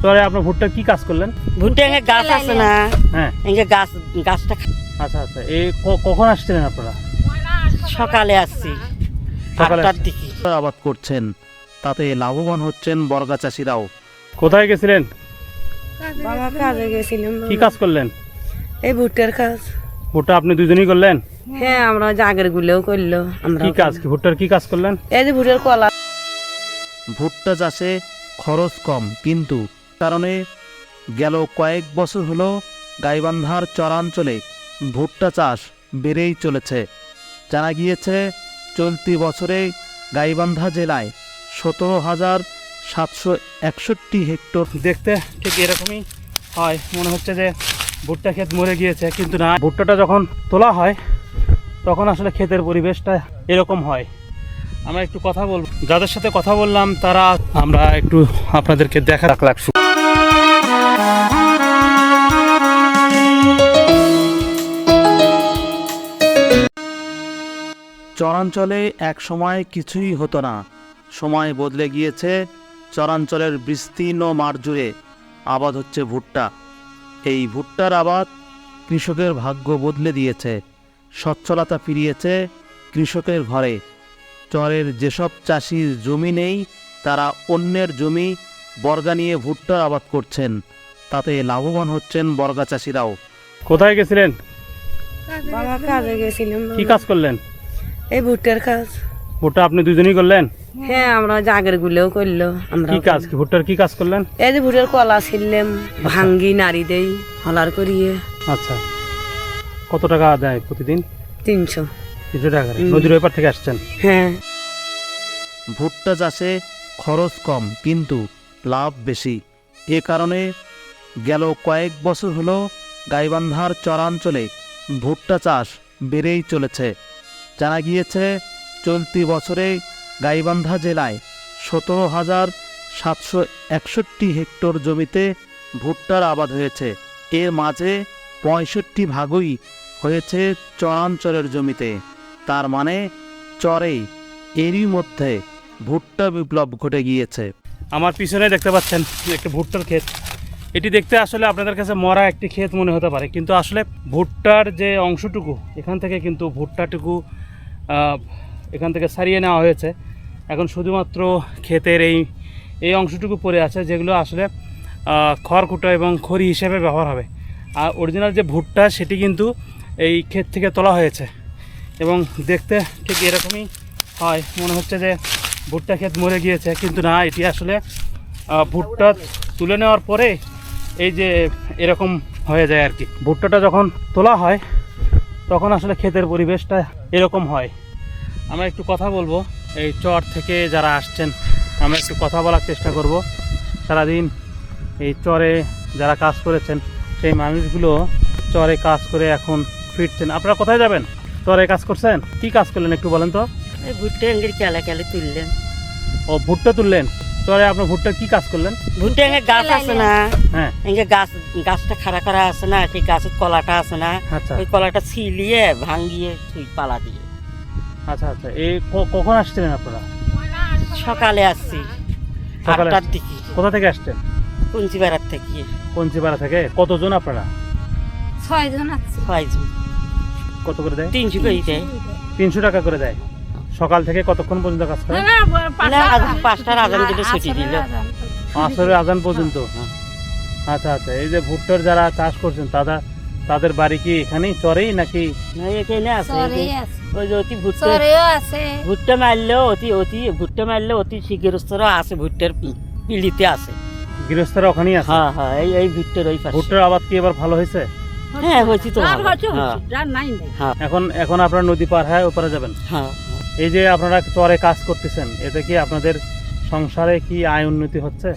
চরে আপনার ভুট্টার কি কাজ করলেন? ভুট্টা গাছ আছে না, হ্যাঁ গাছটা আচ্ছা আচ্ছা। এই কখন আসছিলেন আপনারা? সকালে আসছি, সকালে 8টার দিকে। আবাদ করছেন, তাতে লাভবান হচ্ছেন বর্গা চাষিরাও। কোথায় গেছিলেন? বাবা কাজে গেছিলাম। কি কাজ করলেন? এই ভুট্টার কাজ। ভুট্টা আপনি দুজনেই করলেন? হ্যাঁ, আমরা জাগের গুলোও করলো। আমরা কি কাজ, কি ভুট্টার কি কাজ করলেন? এই যে ভুট্টার কলা। ভুট্টা চাষে খরচ কম, কিন্তু কারণে গেল কয়েক বছর হলো গাইবান্ধার চরাঞ্চলে ভুট্টা চাষ বেড়েই চলেছে। জানা গিয়েছে চলতি বছরে গাইবান্ধা জেলায় 17,761 হেক্টর। দেখতে ঠিক এরকমই হয়, মনে হচ্ছে যে ভুট্টা ক্ষেত মরে গিয়েছে, কিন্তু না, ভুট্টাটা যখন তোলা হয় তখন আসলে ক্ষেতের পরিবেশটা এরকম হয়। আমরা একটু কথা বলবো, যাদের সাথে কথা বললাম তারা, আমরা একটু আপনাদেরকে দেখা রাখলাম। চরাঞ্চলে এক সময় কিছুই হতো না, সময় বদলে গিয়েছে। চরাঞ্চলের বিস্তীর্ণ মাঠ জুড়ে আবাদ হচ্ছে ভুট্টা। এই ভুট্টার আবাদ কৃষকের ভাগ্য বদলে দিয়েছে, সচ্ছলতা ফিরিয়েছে কৃষকের ঘরে। চরের যেসব চাষির জমি নেই, তারা অন্যের জমি বর্গা নিয়ে ভুট্টার আবাদ করছেন, তাতে লাভবান হচ্ছেন বর্গা চাষিরাও। কোথায় গেছিলেন? বাবা কাজে গেছিলাম। কি কাজ করলেন? এই ভুট্টার কাজ। ভুট্টা আপনি দুজনেই করলেন? হ্যাঁ, আমরা জাগের গুলোও করলো। আমরা কি কাজ, কি ভুট্টার কি কাজ করলেন? এই যে ভুট্টার কলা ছিললাম, ভাঙ্গি নাড়ি দেই হলার করিয়ে। আচ্ছা, কত টাকা দেয় প্রতিদিন? 300। 300 টাকা। নদীর ওই পার থেকে আসছেন? হ্যাঁ। ভুট্টা চাষে খরচ কম, কিন্তু লাভ বেশি। এ কারণে গেল কয়েক বছর হলো গাইবান্ধার চরাঞ্চলে ভুট্টা চাষ বেড়েই চলেছে। জানা গিয়েছে চলতি বছরে গাইবান্ধা জেলায় 17,761 হেক্টর জমিতে ভুট্টার আবাদ হয়েছে। এর মাঝে 65% হয়েছে চরাঞ্চলের জমিতে। তার মানে চরেই এরই মধ্যে ভুট্টা বিপ্লব ঘটে গিয়েছে। আমার পিছনে দেখতে পাচ্ছেন একটা ভুট্টার ক্ষেত। এটি দেখতে আসলে আপনাদের কাছে মরা একটি ক্ষেত মনে হতে পারে, কিন্তু আসলে ভুট্টার যে অংশটুকু, এখান থেকে কিন্তু ভুট্টাটুকু এখান থেকে সারিয়ে নেওয়া হয়েছে। এখন শুধুমাত্র ক্ষেতের এই অংশটুকু পড়ে আছে, যেগুলো আসলে খড়কুটো এবং খড়ি হিসেবে ব্যবহার হবে। আর অরিজিনাল যে ভুট্টা, সেটি কিন্তু এই ক্ষেত থেকে তোলা হয়েছে এবং দেখতে ঠিক এরকমই হয়, মনে হচ্ছে যে ভুট্টা ক্ষেত মরে গিয়েছে, কিন্তু না, এটি আসলে ভুট্টা তুলে নেওয়ার পরে এই যে এরকম হয়ে যায় আর কি। ভুট্টাটা যখন তোলা হয় তখন আসলে ক্ষেতের পরিবেশটা এরকম হয়। আমরা একটু কথা বলবো, এই চর থেকে যারা আসছেন আমরা একটু কথা বলার চেষ্টা করব। সারাদিন এই চরে যারা কাজ করেছেন, সেই মানুষগুলো চরে কাজ করে এখন ফিরছেন। আপনারা কোথায় যাবেন? চরে কাজ করছেন? কি কাজ করলেন একটু বলেন তো? এই ভুট্টা এঙ্গের কেলে তুললেন। ও, ভুট্টা তুললেন। চরে আপনার ভুট্টা কি কাজ করলেন? ভুট্টা গাছ আছে না, হ্যাঁ, গাছটা খাড়া করা আছে না, সেই গাছের কলাটা আছে না, আচ্ছা ওই কলাটা ছিলিয়ে ভাঙ্গিয়ে তুই পালা দিয়ে। আচ্ছা আচ্ছা। এই কখন আসছিলেন আপনারা? সকালে আসছি, সকালে 8টার দিকে। কোথা থেকে আসছেন? কুঞ্চিপাড়ার থেকে। কঞ্চিপাড়া থেকে। কতজন আপনারা? 6 জন আছে। 6 জন। কত করে দেয়? 300 করে দেয়। 300 টাকা করে দেয়। সকাল থেকে কতক্ষণ পর্যন্ত কাজ করেন? 5টার আজান দিলে ছুটি দিল। আসরের আজান পর্যন্ত। আচ্ছা আচ্ছা। এই যে ভুট্টার যারা চাষ করছেন, তাদের বাড়ি কি এখানেই চরেই নাকি? না, এখানে আছে। ওই যে অতি ভুট্টা আছে। ভুট্টা মারলেও অতি গৃহস্থরা আছে, ভুট্টার পিলিতে আছে। গৃহস্থরা ওখানেই আছে? হ্যাঁ হ্যাঁ, এই ভুট্টার ওই পাশে। ভুট্টার আবাদ কি এবার ভালো হয়েছে? হ্যাঁ, হয়েছে তো ভালো। এখন আপনারা নদী পার হয়ে ওপারে যাবেন? হ্যাঁ। এই যে আপনারা চরে কাজ করতেছেন, এতে কি আপনাদের সংসারে কি আয় উন্নতি হচ্ছে?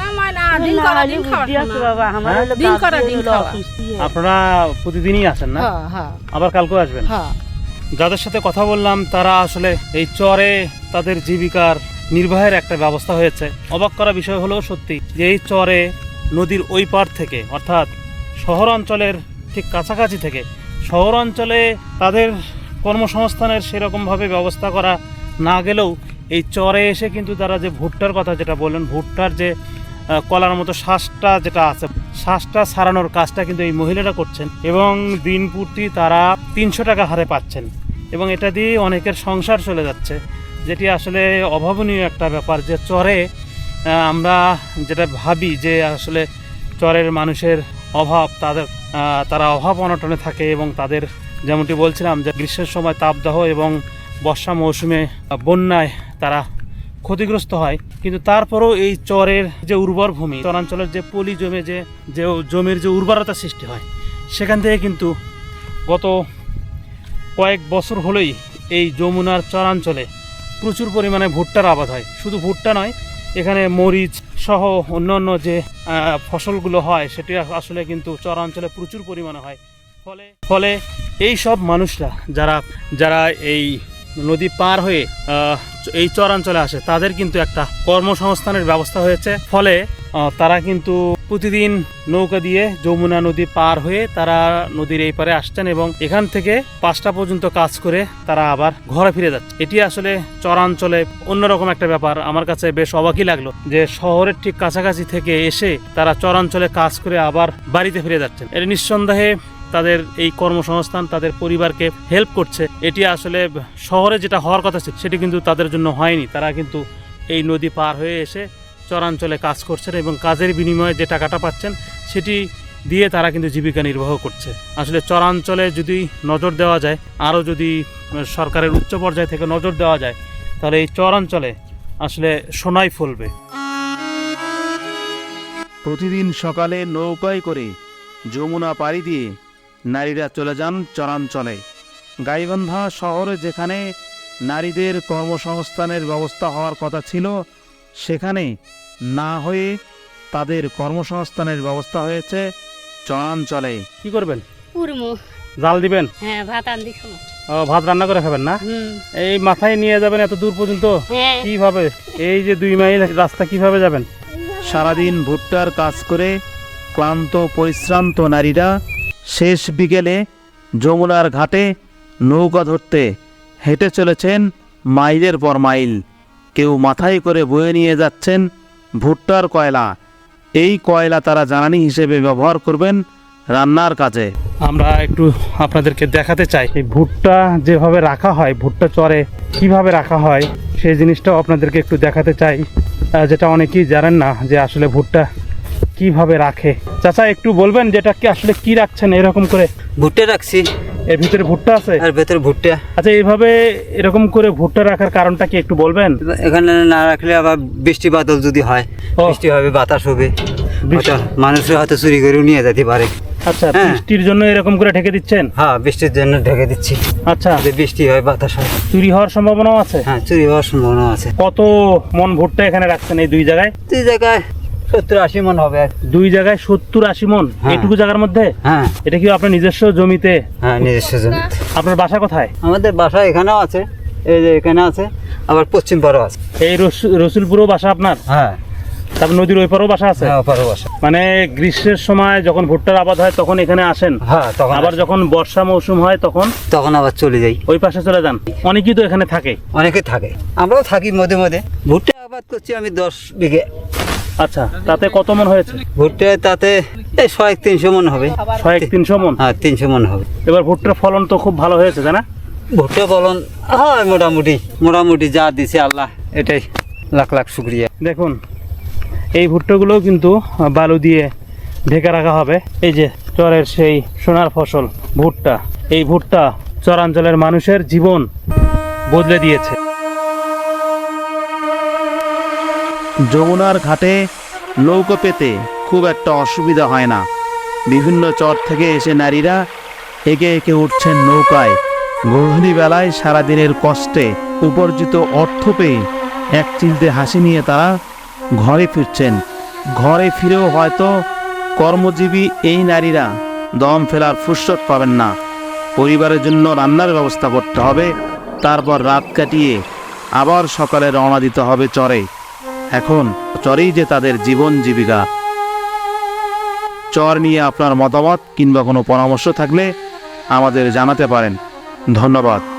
আপনারা প্রতিদিনই আসেন না? আবার কালকেও আসবেন? যাদের সাথে কথা বললাম তারা আসলে এই চরে তাদের জীবিকার নির্বাহের একটা ব্যবস্থা হয়েছে। অবাক করা বিষয় হলো সত্যি যে এই চরে নদীর ওই পার থেকে, অর্থাৎ শহর অঞ্চলের ঠিক কাছাকাছি থেকে, শহর অঞ্চলে তাদের কর্মসংস্থানের সেরকমভাবে ব্যবস্থা করা না গেলেও এই চরে এসে কিন্তু তারা যে ভুট্টার কথা যেটা বললেন, ভুট্টার যে কলার মতো শ্বাসটা যেটা আছে, শ্বাসটা সারানোর কাজটা কিন্তু এই মহিলারা করছেন এবং দিন প্রতি তারা 300 টাকা হারে পাচ্ছেন এবং এটা দিয়ে অনেকের সংসার চলে যাচ্ছে, যেটি আসলে অভাবনীয় একটা ব্যাপার। যে চরে আমরা যেটা ভাবি যে আসলে চরের মানুষের অভাব, তারা অভাব অনটনে থাকে এবং তাদের যেমনটি বলছিলাম যে গ্রীষ্মের সময় তাপদাহ এবং বর্ষা মৌসুমে বন্যায় তারা ক্ষতিগ্রস্ত হয়, কিন্তু তারপরেও এই চরের যে উর্বর ভূমি, চরাঞ্চলের যে পলি জমে যে জমির যে উর্বরতা সৃষ্টি হয়, সেখান থেকে কিন্তু গত কয়েক বছর হলেই এই যমুনার চরাঞ্চলে প্রচুর পরিমাণে ভুট্টার আবাদ হয়। শুধু ভুট্টা নয়, এখানে মরিচ সহ অন্যান্য যে ফসলগুলো হয় সেটি আসলে কিন্তু চরাঞ্চলে প্রচুর পরিমাণে হয়। ফলে এই সব মানুষরা যারা এই নদী পার হয়ে এই চরাঞ্চলে আসে, তাদের কিন্তু একটা কর্মসংস্থানের ব্যবস্থা হয়েছে। ফলে তারা কিন্তু প্রতিদিন নৌকা দিয়ে যমুনা নদী পার হয়ে তারা নদীর এই পারে আসছেন এবং এখান থেকে 5টা পর্যন্ত কাজ করে তারা আবার ঘরে ফিরে যাচ্ছে। এটি আসলে চরাঞ্চলে অন্যরকম একটা ব্যাপার। আমার কাছে বেশ অবাকই লাগলো যে শহরের ঠিক কাছাকাছি থেকে এসে তারা চরাঞ্চলে কাজ করে আবার বাড়িতে ফিরে যাচ্ছেন। এর নিঃসন্দেহে তাদের এই কর্মসংস্থান তাদের পরিবারকে হেল্প করছে। এটি আসলে শহরে যেটা হওয়ার কথা ছিল সেটি কিন্তু তাদের জন্য হয়নি। তারা কিন্তু এই নদী পার হয়ে এসে চরাঞ্চলে কাজ করছেন এবং কাজের বিনিময়ে যে টাকাটা পাচ্ছেন সেটি দিয়ে তারা কিন্তু জীবিকা নির্বাহ করছে। আসলে চরাঞ্চলে যদি নজর দেওয়া যায়, আরও যদি সরকারের উচ্চ পর্যায় থেকে নজর দেওয়া যায়, তাহলে এই চরাঞ্চলে আসলে সোনাই ফলবে। প্রতিদিন সকালে নৌকায় করে যমুনা পাড়ি দিয়ে নারীরা চলে যান চরাঞ্চলে। গাইবান্ধা শহরে যেখানে নারীদের কর্মসংস্থানের ব্যবস্থা হওয়ার কথা ছিল, সেখানে না হয়ে তাদের কর্মসংস্থানের ব্যবস্থা হয়েছে চরাঞ্চলে। কি করবেন? কুরমু। জাল দিবেন? হ্যাঁ, ভাত আনদি খাবো। ভাত রান্না করে খাবেন না? এই মাথায় নিয়ে যাবেন এত দূর পর্যন্ত? হ্যাঁ। কিভাবে? এই যে 2 মাইল রাস্তা কিভাবে যাবেন? সারাদিন ভুট্টার কাজ করে ক্লান্ত পরিশ্রান্ত নারীরা শেষ বিকেলে যমুনার ঘাটে নৌকা ধরতে হেঁটে চলেছেন মাইলের পর মাইল। কেউ মাথায় করে বয়ে নিয়ে যাচ্ছেন ভুট্টার কয়লা। এই কয়লা তারা জ্বালানি হিসেবে ব্যবহার করবেন রান্নার কাজে। আমরা একটু আপনাদেরকে দেখাতে চাই এই ভুট্টা যেভাবে রাখা হয়, ভুট্টা চরে কিভাবে রাখা হয় সেই জিনিসটাও আপনাদেরকে একটু দেখাতে চাই, যেটা অনেকেই জানেন না যে আসলে ভুট্টা কিভাবে রাখে। চাচা একটু বলবেন যেটা কি আসলে কি রাখছেন এরকম করে? ভুট্টা রাখছি, এর ভিতরে ভুট্টা আছে? আর ভেতরে ভুট্টা। আচ্ছা, এইভাবে এরকম করে ভুট্টা রাখার কারণটা কি একটু বলবেন? এখানে না রাখলে আবার বৃষ্টি বাদল যদি হয়, ও। বৃষ্টি হবে, বাতাস হবে, বৃষ্টি- হয়তো মানুষের হয়তো চুরি করেও নিয়ে যেতে পারে। আচ্ছা, হ্যাঁ। বৃষ্টির জন্য এরকম করে ঢেকে দিচ্ছেন? হ্যাঁ, বৃষ্টির জন্য ঢেকে দিচ্ছি। আচ্ছা, যদি বৃষ্টি হয়, বাতাস হয়, চুরি হওয়ার সম্ভাবনাও আছে? হ্যাঁ, চুরি হওয়ার সম্ভাবনা আছে। কত মন ভুট্টা এখানে রাখছেন এই 2 জায়গায়? 2 জায়গায় 70-80 মন হবে আর। 2 জায়গায় 70-80 মন? হ্যাঁ। এইটুকু জায়গার মধ্যে? হ্যাঁ, এটা কি আপনার নিজস্ব জমিতে? হ্যাঁ, নিজস্ব জমি। আপনার বাসা কোথায়? আমাদের বাসা এখানেও আছে, এই যে এখানে আছে, আবার পশ্চিম পাড়ও আছে। এই রসুলপুরও বাসা আপনার? হ্যাঁ, তারপর নদীর ওই পারেও বাসা আছে? হ্যাঁ, ওপারও বাসা। মানে গ্রীষ্মের সময় যখন ভুট্টার আবাদ হয় তখন এখানে আসেন? হ্যাঁ, তখন আবার যখন বর্ষা মৌসুম হয় তখন আবার চলে যাই, ওই পাশে চলে যান? অনেকেই তো এখানে থাকে। অনেকে থাকে, আমরাও থাকি মধ্যে মধ্যে। ভুট্টা আবাদ করছি আমি 10 বিঘে। আচ্ছা, তাতে কত মন হয়েছে? ভুট্টা তাতে এই 100-300 মন হবে। 100-300 মন? হ্যাঁ, 300 মন হবে। এবার ভুট্টার ফলন তো খুব ভালো হয়েছে, তাই না? ভুট্টা ফলন হয় মোটামুটি যা দিছে আল্লাহ, এটাই লাখ লাখ শুক্রিয়া। দেখুন, এই ভুট্টাগুলোও কিন্তু বালু দিয়ে ঢেকে রাখা হবে। এই যে চরের সেই সোনার ফসল ভুট্টা, এই ভুট্টা চরাঞ্চলের মানুষের জীবন বদলে দিয়েছে। যমুনার ঘাটে নৌকো পেতে খুব একটা অসুবিধা হয় না। বিভিন্ন চর থেকে এসে নারীরা একে একে উঠছেন নৌকায়। গধূলি বেলায় সারাদিনের কষ্টে উপার্জিত অর্থ পেয়ে এক চিলতে হাসি নিয়ে তারা ঘরে ফিরছেন। ঘরে ফিরেও হয়তো কর্মজীবী এই নারীরা দম ফেলার ফুরসত পাবেন না। পরিবারের জন্য রান্নার ব্যবস্থা করতে হবে, তারপর রাত কাটিয়ে আবার সকালে রওনা দিতে হবে চরে। এখন চরেই যে তাদের জীবন জীবিকা। চর নিয়ে আপনার মতামত কিংবা কোনো পরামর্শ থাকলে আমাদের জানাতে পারেন। ধন্যবাদ।